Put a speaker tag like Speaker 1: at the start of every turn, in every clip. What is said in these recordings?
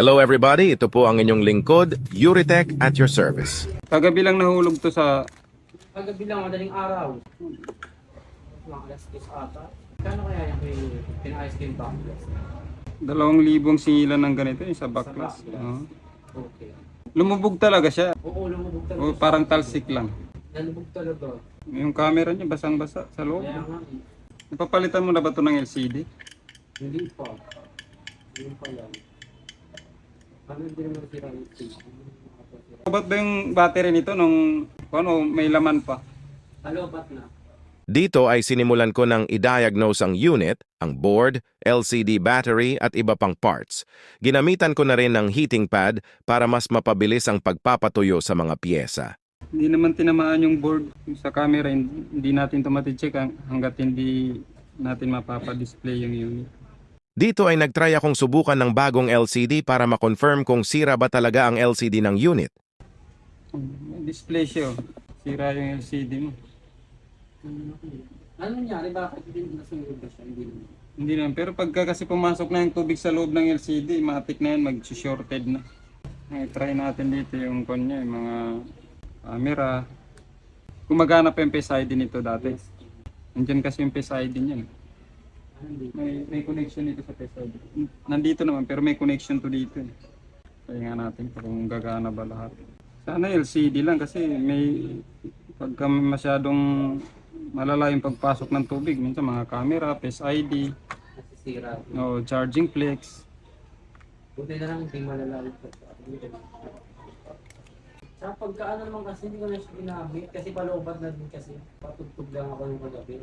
Speaker 1: Hello everybody, ito po ang inyong lingkod, Yuritech at your service.
Speaker 2: Kagabi lang nahulog to sa...
Speaker 3: Kagabi lang, madaling araw. Mga alas 10 ata. Kano kaya yung pinayos ko yung backless?
Speaker 2: 2,000 singilan ng ganito yung sa backlash.
Speaker 3: Okay.
Speaker 2: Lumubog talaga siya.
Speaker 3: Oo, lumubog talaga.
Speaker 2: O parang talsik lang.
Speaker 3: Nalubog talaga.
Speaker 2: Yung camera niya basang-basa sa loob.
Speaker 3: Kaya nga
Speaker 2: Napapalitan mo na ba ito ng LCD?
Speaker 3: hindi pa. Hindi pa lang. Ano din naman sila yung
Speaker 2: Ba't ba yung battery nito nung may laman pa?
Speaker 3: Alobat na.
Speaker 1: Dito ay sinimulan ko ng i-diagnose ang unit, ang board, LCD battery at iba pang parts. Ginamitan ko na rin ng heating pad para mas mapabilis ang pagpapatuyo sa mga piyesa.
Speaker 2: Hindi naman tinamaan yung board sa camera. Hindi natin ito mati-check hanggat hindi natin mapapa-display yung unit.
Speaker 1: Dito ay nagtry akong subukan ng bagong LCD para ma-confirm kung sira ba talaga ang LCD ng unit.
Speaker 2: May display siya. Sira yung LCD mo.
Speaker 3: Ano nangyari? Bakit hindi nasunod ba siya?
Speaker 2: Hindi naman. Pero pagka kasi pumasok na yung tubig sa loob ng LCD, matik na yan, mag-shorted na. Try natin dito yung kanya, yung mga camera. Gumagana pa yung Face ID nito dati. Nandiyan kasi yung Face ID niya. May connection dito sa Face ID. Nandito naman, pero may connection to dito. Kaya nga natin kung gagana ba lahat. Sana LCD lang kasi pagka masyadong malala yung pagpasok ng tubig, minsan mga camera, Face ID,
Speaker 3: Nasisira.
Speaker 2: charging flex.
Speaker 3: Buti na lang hindi malalalit pa. Sa pagkaano naman kasi hindi ko na siya ginamit kasi paloobat na din kasi patugtog lang ako ng kagabi.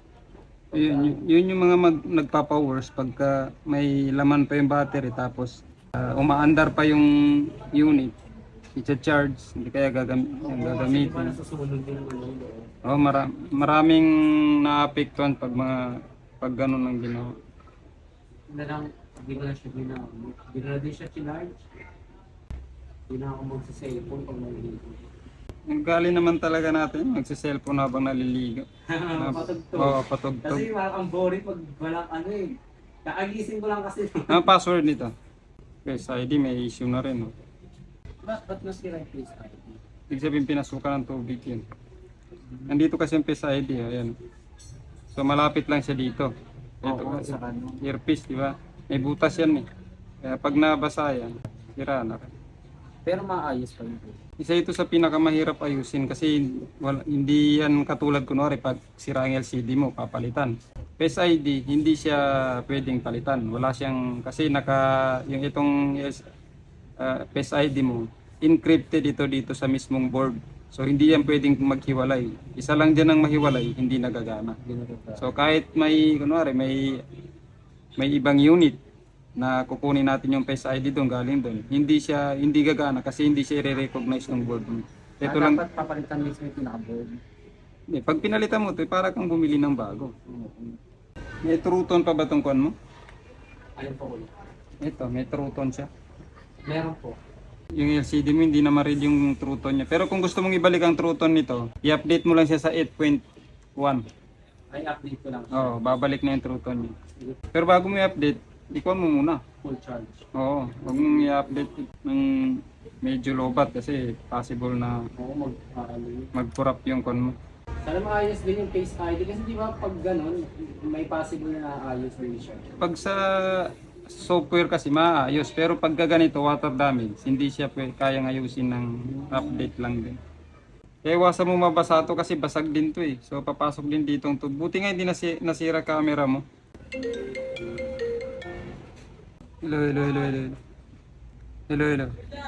Speaker 2: Yun yung mga nagpapa-worse pagka may laman pa yung battery tapos umaandar pa yung unit. I-charge, hindi kaya gagamitin.
Speaker 3: Kasi ba nasusunod din naman yung loob?
Speaker 2: Maraming naapektuhan pag ganun ang ginawa.
Speaker 3: Na lang, hindi ko na siya ginamit. Hindi ko na din siya chinarge. Hindi na ako magsa-cellphone pag naliligo.
Speaker 2: Ang gali naman talaga natin, magsi-cellphone habang naliligo.
Speaker 3: Patugtog.
Speaker 2: Oo, patugtog.
Speaker 3: Kasi ang boring pag walang ano eh. Kakagising ko lang kasi.
Speaker 2: Ang password nito? Face ID, may issue na rin.
Speaker 3: Ba't nasira yung Face ID?
Speaker 2: Ibig sabihin pinasukan ng tubig yun. Nandito kasi yung Face ID, ayan. So malapit lang siya dito. Ito,
Speaker 3: Oo, sa kanya.
Speaker 2: earpiece, di ba? May butas yan eh. Kaya pag nabasa yan, sira na rin.
Speaker 3: Pero maayos pa yun.
Speaker 2: Isa ito sa pinakamahirap ayusin kasi hindi yan katulad kunwari pag sira ang LCD mo, papalitan. Face ID, hindi siya pwedeng palitan. Wala siyang, kasi yung itong Face ID mo, encrypted dito sa mismong board. So hindi yan pwedeng maghiwalay. Isa lang dyan ang mahiwalay, hindi nagagana. So kahit kunwari may ibang unit na kukunin natin yung Face ID doon, galing doon, hindi gagana kasi hindi siya i-recognize ng board mo. Ito lang,
Speaker 3: Dapat papalitan mismo yung pinaka-board.
Speaker 2: pag pinalitan mo ito, para kang bumili ng bago. May true tone pa ba itong kuwan mo?
Speaker 3: Ayun po ulit.
Speaker 2: Ito, may true tone siya.
Speaker 3: Meron po.
Speaker 2: Yung LCD mo hindi na ma-read yung true tone niya. Pero kung gusto mong ibalik ang true tone nito, i-update mo lang siya sa 8.1.
Speaker 3: Ay, update ko lang.
Speaker 2: Oo, babalik na yung true tone niya. Pero bago mo i-update, ikuha mo muna.
Speaker 3: Full charge.
Speaker 2: Oo, huwag mong i-update ng medyo lobat kasi possible na
Speaker 3: Oo,
Speaker 2: mag-corrupt yung con mo.
Speaker 3: Sana maayos din yung Face ID kasi di ba pag ganun, may possible na ayos din siya.
Speaker 2: Pag sa software kasi maayos, pero pag ganito water damage, hindi siya kayang ayusin ng update lang din. Kaya iwasan mo mabasa to kasi basag din to eh. So papasok din dito ang tubig. Buti nga hindi nasira camera mo. Hello. Hello.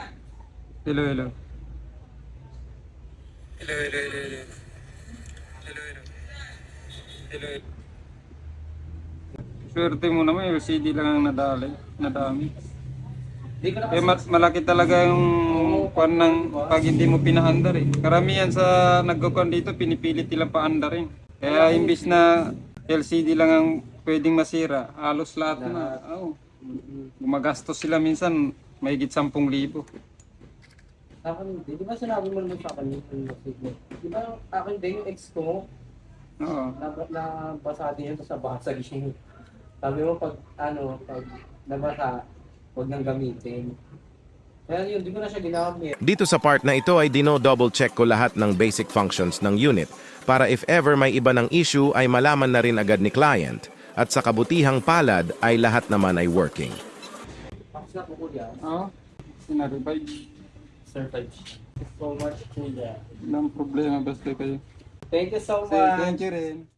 Speaker 2: Swerte mo naman, LCD lang ang nadami.
Speaker 3: Di ko na
Speaker 2: Kaya malaki talaga yung kwan ng pag hindi mo pinaandar eh. Karamihan sa nagkukuhan dito, pinipilit nilang paandarin. Kaya imbis na LCD lang ang pwedeng masira, halos lahat na. Gumagastos sila minsan, mahigit 10,000.
Speaker 3: akin, di ba sinabi mo naman sa akin yung signal? Di ba akin din yung ex ko,
Speaker 2: Oo.
Speaker 3: nabasa din yun sa basag yun. Sabi mo pag nabasa, huwag nang gamitin. Kaya yun, di ko na siya ginamit.
Speaker 1: Dito sa part na ito ay dino-double check ko lahat ng basic functions ng unit para if ever may iba ng issue ay malaman na rin agad ni client at sa kabutihang palad ay lahat naman ay working.
Speaker 3: Tapos na po kuya.
Speaker 2: Oo. Sina-revive.
Speaker 3: Certified. Thank you so much kuya.
Speaker 2: Walang problema basta kayo.
Speaker 3: Thank you so much.
Speaker 2: Thank you rin.